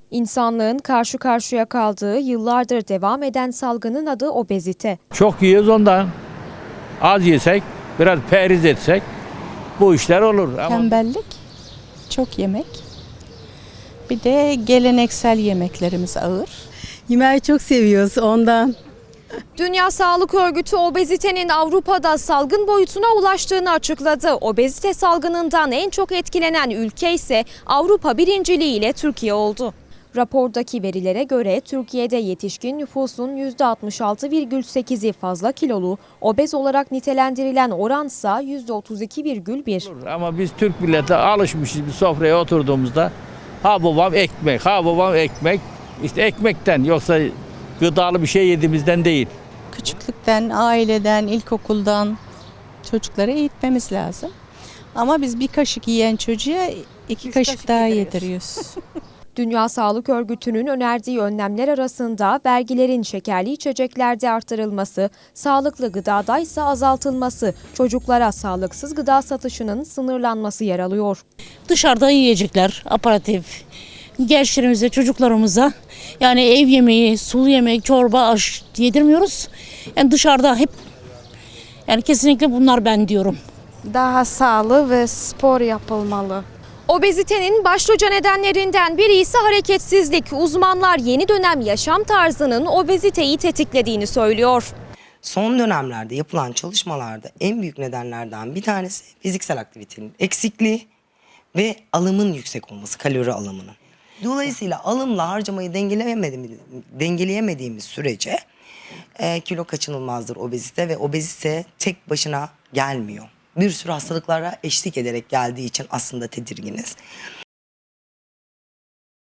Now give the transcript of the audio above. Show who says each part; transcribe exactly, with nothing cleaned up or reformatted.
Speaker 1: İnsanlığın karşı karşıya kaldığı yıllardır devam eden salgının adı obezite.
Speaker 2: Çok yiyoruz ondan. Az yesek, biraz periz etsek bu işler olur. Ama
Speaker 3: Tembellik, çok yemek. Bir de geleneksel yemeklerimiz ağır.
Speaker 4: Yemeği çok seviyoruz ondan.
Speaker 1: Dünya Sağlık Örgütü obezitenin Avrupa'da salgın boyutuna ulaştığını açıkladı. Obezite salgınından en çok etkilenen ülke ise Avrupa birinciliği ile Türkiye oldu. Rapordaki verilere göre Türkiye'de yetişkin nüfusun yüzde altmış altı virgül sekizi fazla kilolu, obez olarak nitelendirilen oransa yüzde otuz iki virgül bir.
Speaker 2: ama biz Türk milleti alışmışız bir sofraya oturduğumuzda ha babam ekmek, ha babam ekmek. İşte ekmekten yoksa gıdalı bir şey yediğimizden değil.
Speaker 3: Küçüklükten, aileden, ilkokuldan çocukları eğitmemiz lazım. Ama biz bir kaşık yiyen çocuğa iki kaşık daha yediriyoruz.
Speaker 1: Dünya Sağlık Örgütü'nün önerdiği önlemler arasında vergilerin şekerli içeceklerde artırılması, sağlıklı gıdada ise azaltılması, çocuklara sağlıksız gıda satışının sınırlanması yer alıyor.
Speaker 5: Dışarıda yiyecekler, aparatif, gençlerimize, çocuklarımıza yani ev yemeği, sulu yemek, çorba, aş yedirmiyoruz. Yani dışarıda hep yani kesinlikle bunlar ben diyorum.
Speaker 6: Daha sağlıklı ve spor yapılmalı.
Speaker 1: Obezitenin başlıca nedenlerinden biri ise hareketsizlik. Uzmanlar yeni dönem yaşam tarzının obeziteyi tetiklediğini söylüyor.
Speaker 7: Son dönemlerde yapılan çalışmalarda en büyük nedenlerden bir tanesi fiziksel aktivitenin eksikliği ve alımın yüksek olması, kalori alımının. Dolayısıyla alımla harcamayı dengeleyemediğimiz, dengeleyemediğimiz sürece e, kilo kaçınılmazdır obezite ve obezite tek başına gelmiyor. Bir sürü hastalıklara eşlik ederek geldiği için aslında tedirginiz.